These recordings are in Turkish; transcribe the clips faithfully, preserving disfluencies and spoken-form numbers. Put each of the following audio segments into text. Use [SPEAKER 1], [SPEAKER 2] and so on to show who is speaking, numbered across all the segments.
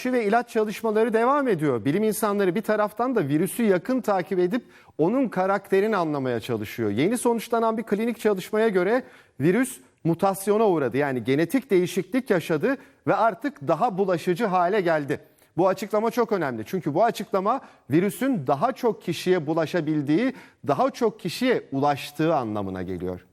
[SPEAKER 1] Aşı ve ilaç çalışmaları devam ediyor. Bilim insanları bir taraftan da virüsü yakın takip edip onun karakterini anlamaya çalışıyor. Yeni sonuçlanan bir klinik çalışmaya göre virüs mutasyona uğradı. Yani genetik değişiklik yaşadı ve artık daha bulaşıcı hale geldi. Bu açıklama çok önemli. Çünkü bu açıklama virüsün daha çok kişiye bulaşabildiği, daha çok kişiye ulaştığı anlamına geliyor.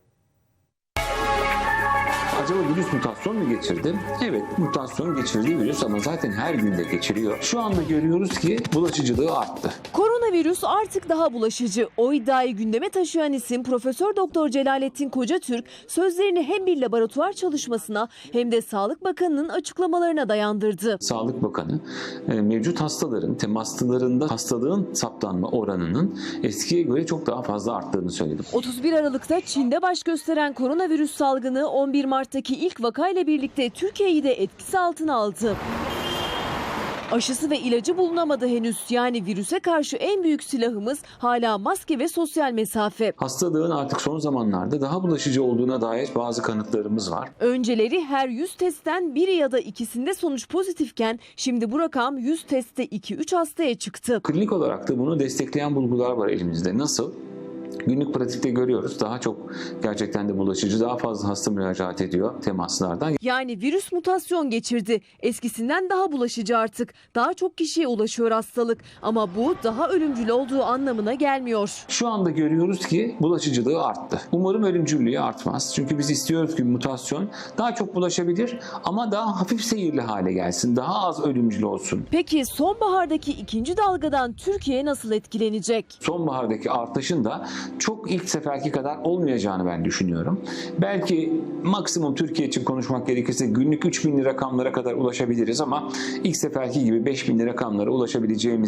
[SPEAKER 2] Acaba virüs mutasyon mu geçirdi? Evet, mutasyon geçirdiği virüs ama zaten her gün de geçiriyor. Şu anda görüyoruz ki bulaşıcılığı arttı.
[SPEAKER 3] Koronavirüs artık daha bulaşıcı. O iddiayı gündeme taşıyan isim Profesör Doktor Celalettin Kocatürk sözlerini hem bir laboratuvar çalışmasına hem de Sağlık Bakanı'nın açıklamalarına dayandırdı.
[SPEAKER 2] Sağlık Bakanı mevcut hastaların temaslılarında hastalığın saptanma oranının eskiye göre çok daha fazla arttığını söyledi.
[SPEAKER 3] otuz bir Aralık'ta Çin'de baş gösteren koronavirüs salgını on bir Mart'taki ilk vakayla birlikte Türkiye'yi de etkisi altına aldı. Aşısı ve ilacı bulunamadı henüz. Yani virüse karşı en büyük silahımız hala maske ve sosyal mesafe.
[SPEAKER 2] Hastalığın artık son zamanlarda daha bulaşıcı olduğuna dair bazı kanıtlarımız var.
[SPEAKER 3] Önceleri her yüz testten biri ya da ikisinde sonuç pozitifken şimdi bu rakam yüz testte iki üç hastaya çıktı.
[SPEAKER 2] Klinik olarak da bunu destekleyen bulgular var elimizde. Nasıl? Günlük pratikte görüyoruz. Daha çok gerçekten de bulaşıcı, daha fazla hasta müracaat ediyor temaslardan.
[SPEAKER 3] Yani virüs mutasyon geçirdi. Eskisinden daha bulaşıcı artık. Daha çok kişiye ulaşıyor hastalık. Ama bu daha ölümcül olduğu anlamına gelmiyor.
[SPEAKER 2] Şu anda görüyoruz ki bulaşıcılığı arttı. Umarım ölümcüllüğü artmaz. Çünkü biz istiyoruz ki mutasyon daha çok bulaşabilir ama daha hafif seyirli hale gelsin. Daha az ölümcül olsun.
[SPEAKER 3] Peki sonbahardaki ikinci dalgadan Türkiye nasıl etkilenecek?
[SPEAKER 2] Sonbahardaki artışın da çok ilk seferki kadar olmayacağını ben düşünüyorum. Belki maksimum Türkiye için konuşmak gerekirse günlük üç binli rakamlara kadar ulaşabiliriz ama ilk seferki gibi beş binli rakamlara ulaşabileceğimiz